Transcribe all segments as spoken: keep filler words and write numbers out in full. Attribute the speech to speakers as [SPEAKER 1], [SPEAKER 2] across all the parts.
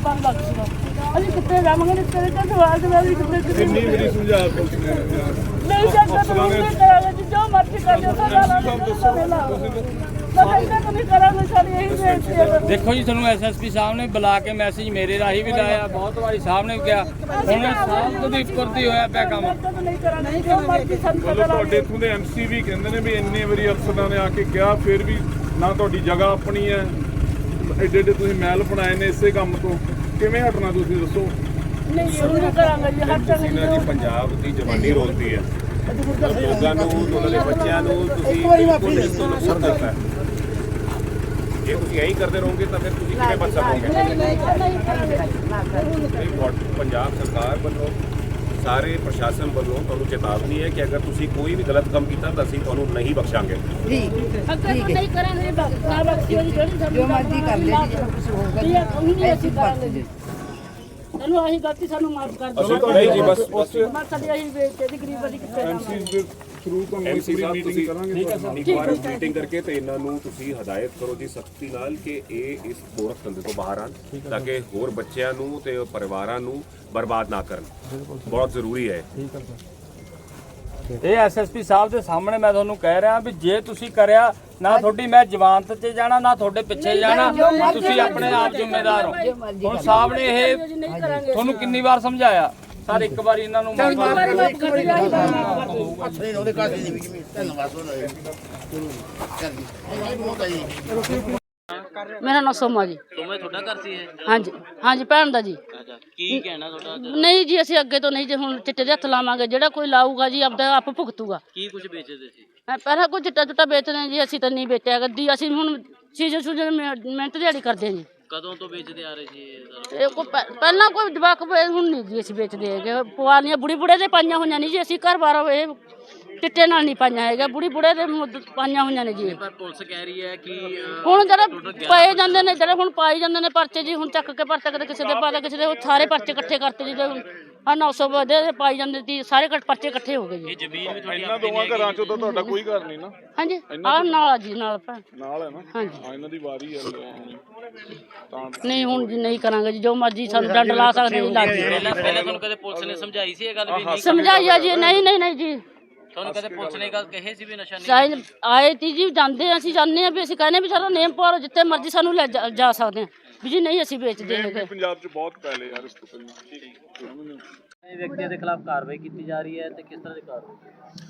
[SPEAKER 1] ਪੰਜ ਲੱਖ ਸੀਗਾ। ਅਸੀਂ ਕਿੱਥੇ ਜਾਵਾਂਗੇ? ਤੇਰੇ ਤਾਂ ਸਵਾਲ ਦੇ ਨਾਲ ਕਿੱਥੇ
[SPEAKER 2] ਕਿੰਨੀ ਵਾਰੀ ਸਮਝਾ ਪੁਲਿਸ ਨੇ
[SPEAKER 1] ਨਹੀਂ ਜਾਂਦਾ ਤਾਂ ਨਹੀਂ ਕਰਾਂਗੇ ਜੀ, ਜੋ ਮਰਜ਼ੀ ਕਰ ਦਿਓ ਸਾਡਾ ਨਹੀਂ ਕਰਾਂਗੇ। ਸਾਡੀ ਇਹੀ ਬੇਨਤੀ ਹੈ।
[SPEAKER 3] ਦੇਖੋ ਜੀ, ਤੁਹਾਨੂੰ ਐਸਐਸਪੀ ਸਾਹਿਬ ਨੇ ਬੁਲਾ ਕੇ ਮੈਸੇਜ ਮੇਰੇ ਰਾਹੀਂ ਵੀ ਲਾਇਆ, ਬਹੁਤ ਵਾਰੀ ਸਾਹਿਬ ਨੇ ਕਿਹਾ, ਹੁਣ ਸਾਹਿਬ ਦੀ ਫੁਰਤੀ ਹੋਇਆ ਪਿਆ ਕੰਮ।
[SPEAKER 1] ਨਹੀਂ ਕਰਾਂਗੇ ਜੋ ਮਰਜ਼ੀ ਸਾਨੂੰ ਪਤਾ
[SPEAKER 2] ਤੁਹਾਡੇ ਇੱਥੋਂ ਦੇ ਐਮਸੀ ਵੀ ਕਹਿੰਦੇ ਨੇ ਵੀ ਇੰਨੇ ਵਾਰੀ ਅਫਸਰਾਂ ਨੇ ਆ ਕੇ ਕਿਹਾ, ਫਿਰ ਵੀ ਨਾ ਤੁਹਾਡੀ ਜਗ੍ਹਾ ਆਪਣੀ ਹੈ, ਐਡੇ ਐਡੇ ਤੁਸੀਂ ਮਹਿਲ ਬਣਾਏ ਨੇ ਇਸੇ ਕੰਮ ਤੋਂ, ਕਿਵੇਂ ਹਟਣਾ ਤੁਸੀਂ ਦੱਸੋ?
[SPEAKER 1] ਨਹੀਂ ਨਹੀਂ ਕਰਾਂਗੇ ਜੀ, ਹਰ
[SPEAKER 4] ਇਹਨਾਂ ਦੀ ਪੰਜਾਬ ਦੀ ਜਵਾਨੀ ਰੋਲਦੀ ਹੈ, ਲੋਕਾਂ ਨੂੰ ਉਹਨਾਂ ਦੇ ਬੱਚਿਆਂ ਨੂੰ ਤੁਸੀਂ ਬਿਲਕੁਲ ਇਸ ਤੋਂ ਨਫ਼ਰਤ ਕਰਦਾ ਹੈ। ਜੇ ਤੁਸੀਂ ਇਹੀ ਕਰਦੇ ਰਹੋਗੇ ਤਾਂ ਫਿਰ ਤੁਸੀਂ ਕਿਵੇਂ ਬਚ ਸਕੋਗੇ? ਪੰਜਾਬ ਸਰਕਾਰ ਵੱਲੋਂ ਸਾਰੇ ਪ੍ਰਸ਼ਾਸਨ ਵੱਲੋਂ ਤੁਹਾਨੂੰ ਚੇਤਾਵਨੀ ਹੈ ਕਿ ਅਗਰ ਤੁਸੀਂ ਕੋਈ ਵੀ ਗਲਤ ਕੰਮ ਕੀਤਾ ਤਾਂ ਅਸੀਂ ਤੁਹਾਨੂੰ ਨਹੀਂ ਬਖਸ਼ਾਂਗੇ।
[SPEAKER 1] ਜੀ ਨਹੀਂ ਕਰਾਂਗੇ ਬਖਸ਼ੀ ਜਿਹੜੀ ਜੋ ਮਰਜ਼ੀ ਕਰ ਲੈ ਜੀ, ਕੁਝ ਹੋਊਗਾ ਜੀ ਅਸੀਂ ਕਰਾਂਗੇ ਜੀ। ਚਲੋ ਅਸੀਂ ਗਲਤੀ ਸਾਨੂੰ ਮਾਫ ਕਰ ਦਿਓ।
[SPEAKER 4] ਨਹੀਂ ਜੀ, ਬਸ
[SPEAKER 1] ਬਸ ਸਾਡੀ ਅਸੀਂ ਬੇਇੱਜ਼ਤੀ ਦੀ ਗਰੀਬ ਦੀ ਕਿੱਥੇ
[SPEAKER 2] ਐਮਸੀ ਦੇ ਥਰੂ ਤੋਂ
[SPEAKER 4] ਐਮਸੀ ਸਾਹਿਬ
[SPEAKER 2] ਮੀਟਿੰਗ
[SPEAKER 4] ਤੁਸੀਂ
[SPEAKER 2] ਕਰਾਂਗੇ।
[SPEAKER 4] ਇੱਕ ਵਾਰ ਮੀਟਿੰਗ ਕਰਕੇ ਤੇ ਇਹਨਾਂ ਨੂੰ ਤੁਸੀਂ ਹਦਾਇਤ ਕਰੋ ਜੀ ਸਖਤੀ ਨਾਲ ਕਿ ਇਹ ਇਸ ਗੋਰਖ ਧੰਦੇ ਤੋਂ ਬਾਹਰ ਆਣ, ਤਾਂ ਕਿ ਹੋਰ ਬੱਚਿਆਂ ਨੂੰ ਤੇ ਪਰਿਵਾਰਾਂ ਨੂੰ ਬਰਬਾਦ ਨਾ ਕਰਨ। ਬਹੁਤ ਜ਼ਰੂਰੀ ਹੈ।
[SPEAKER 3] ਇਹ ਐਸਐਸਪੀ ਸਾਹਿਬ ਦੇ ਸਾਹਮਣੇ ਮੈਂ ਤੁਹਾਨੂੰ ਕਹਿ ਰਿਹਾ ਵੀ ਜੇ ਤੁਸੀਂ ਕਰਿਆ ਨਾ, ਤੁਹਾਡੀ ਮੈਂ ਜ਼ਮਾਨਤ 'ਤੇ ਜਾਣਾ ਨਾ ਤੁਹਾਡੇ ਪਿੱਛੇ ਜਾਣਾ, ਤੁਸੀਂ ਆਪਣੇ ਆਪ ਜ਼ਿੰਮੇਦਾਰ ਹੋ। ਹੁਣ ਸਾਹਿਬ ਨੇ ਇਹ ਤੁਹਾਨੂੰ ਕਿੰਨੀ ਵਾਰ ਸਮਝਾਇਆ ਸਰ? ਇੱਕ ਵਾਰੀ ਇਹਨਾਂ ਨੂੰ
[SPEAKER 1] ਮੇਰਾ ਨਾਮ ਸੋਮਾ ਜੀ।
[SPEAKER 5] ਸੋਮਾ ਤੁਹਾਡਾ ਘਰ ਸੀ ਇਹ?
[SPEAKER 1] ਹਾਂਜੀ ਹਾਂਜੀ, ਭੈਣ ਦਾ ਜੀ।
[SPEAKER 5] ਅੱਛਾ, ਕੀ ਕਹਿਣਾ ਤੁਹਾਡਾ?
[SPEAKER 1] ਨਹੀਂ ਜੀ, ਅਸੀਂ ਅੱਗੇ ਤੋਂ ਨਹੀਂ ਜੀ, ਹੁਣ ਚਿੱਟੇ ਦੇ ਹੱਥ ਲਾਵਾਂਗੇ। ਜਿਹੜਾ ਕੋਈ ਲਾਊਗਾ ਜੀ ਆਪਦਾ ਆਪ ਭੁਗਤੂਗਾ।
[SPEAKER 5] ਕੀ ਕੁਝ ਵੇਚਦੇ ਸੀ?
[SPEAKER 1] ਪਹਿਲਾਂ ਕੋਈ ਚਿੱਟਾ ਚੁੱਟਾ ਵੇਚਦੇ ਜੀ, ਅਸੀਂ ਤਾਂ ਨਹੀਂ ਵੇਚਿਆ ਗੱਦੀ। ਅਸੀਂ ਹੁਣ ਸੀਜ਼ਨ ਸੂਜਨ ਮਿਹਨਤ ਦਿਹਾੜੀ ਕਰਦੇ ਜੀ।
[SPEAKER 5] ਕਦੋਂ ਤੋਂ ਵੇਚਦੇ ਆ ਰਹੇ ਸੀ ਇਹ ਸਾਰਾ?
[SPEAKER 1] ਇਹ ਕੋਈ ਪਹਿਲਾਂ ਕੋਈ ਜਵਾਕ ਹੁਣ ਨਹੀਂ ਜੀ ਅਸੀਂ ਵੇਚਦੇ ਹੈਗੇ। ਪੁਆਲੀਆਂ ਬੁੜੀ ਬੁੜੇ ਦੇ ਪਾਈਆਂ ਹੋਈਆਂ ਨਹੀਂ ਜੀ, ਅਸੀਂ ਘਰ ਬਾਰ ਇਹ ਚਿੱਟੇ ਨਾਲ ਨਹੀਂ ਪਾਈਆਂ ਹੈਗਾ, ਬੁੜੀ ਬੁੜੇ ਦੇ ਪਾਈਆਂ ਹੋਈਆਂ ਨੇ ਜੀ।
[SPEAKER 5] ਪਰ ਪੁਲਿਸ ਕਹਿ ਰਹੀ ਹੈ ਕਿ
[SPEAKER 1] ਹੁਣ ਜਿਹੜੇ ਪਏ ਜਾਂਦੇ ਨੇ, ਜਿਹੜੇ ਹੁਣ ਪਾਈ ਜਾਂਦੇ ਨੇ ਪਰਚੇ ਜੀ, ਹੁਣ ਚੱਕ ਕੇ ਪਰਚਾ ਕਦੇ ਕਿਸੇ ਦੇ ਪਾਦਾ ਕਿਸੇ ਦੇ, ਉਹ ਸਾਰੇ ਪਰਚੇ ਇਕੱਠੇ ਕਰਤੇ ਜੀ। ਆ ਨੌ ਸੌ ਵਧੇ ਪਾਈ ਜਾਂਦੇ ਸੀ, ਸਾਰੇ ਪਰਚੇ ਇਕੱਠੇ ਹੋ ਗਏ ਜੀ।
[SPEAKER 5] ਇਹ ਜ਼ਮੀਨ ਵੀ ਤੁਹਾਡੀ
[SPEAKER 2] ਇਹਨਾਂ ਦੋਵਾਂ ਘਰਾਂ ਚੋਂ ਤਾਂ ਤੁਹਾਡਾ ਕੋਈ ਘਰ ਨਹੀਂ ਨਾ?
[SPEAKER 1] ਹਾਂਜੀ, ਆਹ ਨਾਲ ਜੀ, ਨਾਲ ਭੈਣ
[SPEAKER 2] ਨਾਲ ਹੈ ਨਾ?
[SPEAKER 1] ਹਾਂਜੀ,
[SPEAKER 2] ਹਾਂ, ਇਹਨਾਂ ਦੀ ਵਾਰੀ ਹੈ ਤਾਂ
[SPEAKER 1] ਨਹੀਂ ਹੁਣ ਜੀ ਨਹੀਂ ਕਰਾਂਗੇ ਜੀ, ਜੋ ਮਰਜ਼ੀ ਸਾਨੂੰ ਡੰਡ ਲਾ ਸਕਦੇ ਜੀ, ਲੱਗ ਜੀ।
[SPEAKER 5] ਪਹਿਲਾਂ ਪਹਿਲਾਂ ਤੁਹਾਨੂੰ ਕਦੇ ਪੁਲਿਸ ਨੇ ਸਮਝਾਈ ਸੀ ਇਹ ਗੱਲ ਵੀ ਨਹੀਂ?
[SPEAKER 1] ਸਮਝਾਈਆ ਜੀ, ਨਹੀਂ ਨਹੀਂ ਨਹੀਂ ਜੀ।
[SPEAKER 5] ਤੁਹਾਨੂੰ ਕਦੇ ਪੁਲਿਸ ਨੇ ਗੱਲ ਕਹੀ ਸੀ ਵੀ ਨਸ਼ਾ ਨਹੀਂ?
[SPEAKER 1] ਸਾਈਨ ਆਏ ਤੀ ਜੀ, ਜਾਂਦੇ ਅਸੀਂ ਜਾਂਦੇ ਆ ਵੀ ਅਸੀਂ ਕਹਿੰਦੇ ਵੀ ਸਾਡਾ ਨੇਮ ਪਾਓ, ਜਿੱਥੇ ਮਰਜ਼ੀ ਸਾਨੂੰ ਲੈ ਜਾ ਜਾ ਸਕਦੇ ਆ ਵੀ ਜੀ, ਨਹੀਂ ਅਸੀਂ ਵੇਚਦੇ ਹੈਗੇ।
[SPEAKER 2] ਪੰਜਾਬ 'ਚ ਬਹੁਤ ਪਹਿਲੇ ਯਾਰ ਇਸ ਤੋਂ ਪਹਿਲਾਂ
[SPEAKER 5] ਇਹ ਵਿਅਕਤੀ ਦੇ ਖਿਲਾਫ ਕਾਰਵਾਈ ਕੀਤੀ ਜਾ ਰਹੀ ਹੈ ਤੇ ਕਿਸ ਤਰ੍ਹਾਂ ਦੀ ਕਾਰਵਾਈ?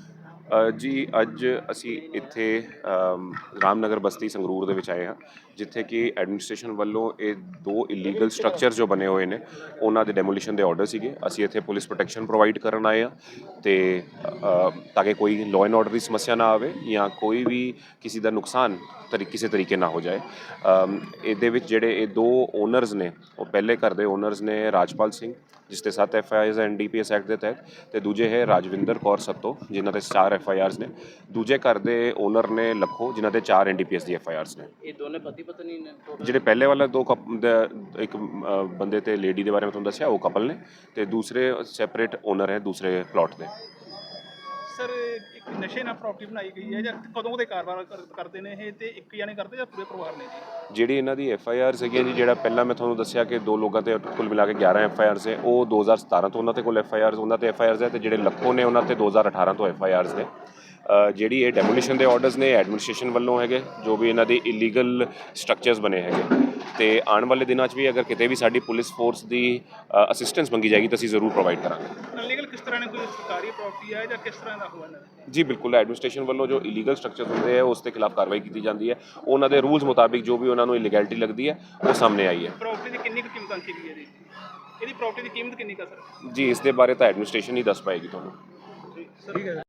[SPEAKER 4] ਜੀ ਅੱਜ ਅਸੀਂ ਇੱਥੇ ਰਾਮਨਗਰ ਬਸਤੀ ਸੰਗਰੂਰ ਦੇ ਵਿੱਚ ਆਏ ਹਾਂ, ਜਿੱਥੇ ਕਿ ਐਡਮਿਨਿਸਟ੍ਰੇਸ਼ਨ ਵੱਲੋਂ ਇਹ ਦੋ ਇਲੀਗਲ ਸਟਰਕਚਰ ਜੋ ਬਣੇ ਹੋਏ ਨੇ ਉਹਨਾਂ ਦੇ ਡੈਮੋਲੀਸ਼ਨ ਦੇ ਆਰਡਰ ਸੀਗੇ। ਅਸੀਂ ਇੱਥੇ ਪੁਲਿਸ ਪ੍ਰੋਟੈਕਸ਼ਨ ਪ੍ਰੋਵਾਈਡ ਕਰਨ ਆਏ ਹਾਂ ਤੇ ਤਾਂ ਕਿ ਕੋਈ ਲਾਅ ਐਂਡ ਆਰਡਰ ਦੀ ਸਮੱਸਿਆ ਨਾ ਆਵੇ ਜਾਂ ਕੋਈ ਵੀ ਕਿਸੇ ਦਾ ਨੁਕਸਾਨ ਤਰੀ ਕਿਸੇ ਤਰੀਕੇ ਨਾ ਹੋ ਜਾਏ। ਇਹਦੇ ਵਿੱਚ ਜਿਹੜੇ ਇਹ ਦੋ ਓਨਰਸ ਨੇ, ਉਹ ਪਹਿਲੇ ਘਰ ਦੇ ਓਨਰਸ ਨੇ ਰਾਜਪਾਲ ਸਿੰਘ, ਜਿਸ ਤੇ ਸੱਤ FIRs NDPS act ਦੇ ਤਹਿਤ, ਤੇ ਦੂਜੇ ਹੈ ਰਾਜਵਿੰਦਰ ਕੌਰ ਸੱਤੋ, ਜਿਨ੍ਹਾਂ ਦੇ ਚਾਰ ਐਫ ਆਈ ਆਰਸ ਨੇ। ਦੂਜੇ ਘਰ ਦੇ ਓਨਰ ਨੇ ਲੱਖੋ, ਜਿਨ੍ਹਾਂ ਦੇ ਚਾਰ ਐਨ ਡੀ ਪੀ ਐਸ ਦੀ ਐਫ ਆਈ ਆਰਸ ਨੇ।
[SPEAKER 5] ਇਹ ਦੋਨੇ ਪਤੀ ਪਤਨੀ ਨੇ?
[SPEAKER 4] ਜਿਹੜੇ ਪਹਿਲੇ ਵਾਲਾ ਦੋ ਇੱਕ ਬੰਦੇ ਤੇ ਲੇਡੀ ਦੇ ਬਾਰੇ ਮੈਂ ਤੁਹਾਨੂੰ ਦੱਸਿਆ, ਉਹ ਕਪਲ ਨੇ, ਤੇ ਦੂਸਰੇ ਸੈਪਰੇਟ ਓਨਰ ਹੈ ਦੂਸਰੇ ਪਲਾਟ ਦੇ।
[SPEAKER 6] ਸਰ, ਇੱਕ ਨਸ਼ੇ ਨਾਲ ਪ੍ਰਾਪਰਟੀ ਬਣਾਈ ਗਈ ਹੈ ਜਾਂ ਕਦੋਂ ਦੇ ਕਾਰੋਬਾਰ ਕਰਦੇ ਨੇ ਇਹ, ਤੇ ਇੱਕ ਜਾਣੇ ਕਰਦੇ ਜਾਂ ਪੂਰੇ ਪਰਿਵਾਰ ਨੇ ਜੀ?
[SPEAKER 4] ਜਿਹੜੀ ਇਹਨਾਂ ਦੀ ਐਫ ਆਈ ਆਰ ਸੀਗੀ ਜੀ, ਜਿਹੜਾ ਪਹਿਲਾਂ ਮੈਂ ਤੁਹਾਨੂੰ ਦੱਸਿਆ ਕਿ ਦੋ ਲੋਕਾਂ ਤੇ ਕੁੱਲ ਮਿਲਾ ਕੇ ਗਿਆਰਾਂ ਐਫ ਆਈ ਆਰਸ ਹੈ, ਉਹ ਦੋ ਹਜ਼ਾਰ ਸਤਾਰਾਂ ਤੋਂ ਉਹਨਾਂ ਤੇ ਕੋਲ ਐਫ ਆਈ ਆਰਸ ਉਹਨਾਂ ਤੇ ਐਫ ਆਈ ਆਰਸ ਹੈ, ਤੇ ਜਿਹੜੇ ਲੱਖੋ ਨੇ ਉਹਨਾਂ ਤੇ ਦੋ ਹਜ਼ਾਰ ਅਠਾਰਾਂ ਤੋਂ ਐਫ ਆਈ ਆਰਸ ਨੇ। ਜਿਹੜੀ ਇਹ ਡੈਮੋਲੀਸ਼ਨ ਦੇ ਆਰਡਰਸ ਨੇ ਐਡਮਿਨਿਸਟ੍ਰੇਸ਼ਨ ਵੱਲੋਂ ਹੈਗੇ, ਜੋ ਵੀ ਇਹਨਾਂ ਦੇ ਇਲੀਗਲ ਸਟਰਕਚਰਸ ਬਣੇ ਹੈਗੇ, ਤੇ ਆਉਣ ਵਾਲੇ ਦਿਨਾਂ 'ਚ ਵੀ ਅਗਰ ਕਿਤੇ ਵੀ ਸਾਡੀ ਪੁਲਿਸ ਫੋਰਸ ਦੀ ਅਸਿਸਟੈਂਸ ਮੰਗੀ ਜਾਏਗੀ ਤਾਂ ਅਸੀਂ ਜ਼ਰੂਰ ਪ੍ਰੋਵਾਈਡ ਕਰਾਂਗੇ।
[SPEAKER 6] ਇਲੀਗਲ ਕਿਸ ਤਰ੍ਹਾਂ ਨੇ, ਕੋਈ ਸਰਕਾਰੀ ਪ੍ਰਾਪਰਟੀ ਹੈ ਜਾਂ ਕਿਸ ਤਰ੍ਹਾਂ ਦਾ ਹੋਇਆ ਨਾ?
[SPEAKER 4] ਜੀ ਬਿਲਕੁਲ, ਐਡਮਿਨਿਸਟ੍ਰੇਸ਼ਨ ਵੱਲੋਂ ਜੋ ਇਲੀਗਲ ਸਟਰਕਚਰ ਹੁੰਦੇ ਹੈ ਉਸ ਦੇ ਖਿਲਾਫ ਕਾਰਵਾਈ ਕੀਤੀ ਜਾਂਦੀ ਹੈ। ਉਹਨਾਂ ਦੇ ਰੂਲਸ ਮੁਤਾਬਿਕ ਜੋ ਵੀ ਉਹਨਾਂ ਨੂੰ ਇਲੀਗੈਲਿਟੀ ਲੱਗਦੀ ਹੈ ਉਹ ਸਾਹਮਣੇ ਆਈ ਹੈ।
[SPEAKER 6] ਪ੍ਰਾਪਰਟੀ ਦੀ ਕਿੰਨੀ ਕੁ ਕੀਮਤ ਅੰਕੀ ਗਈ ਹੈ ਜੀ? ਇਹਦੀ ਪ੍ਰਾਪਰਟੀ ਦੀ ਕੀਮਤ ਕਿੰਨੀ ਕੁ ਸਰ?
[SPEAKER 4] ਜੀ ਇਸ ਦੇ ਬਾਰੇ ਤਾਂ ਐਡਮਿਨਿਸਟ੍ਰੇਸ਼ਨ ਹੀ ਦੱਸ ਪਾਏਗੀ ਤੁਹਾਨੂੰ।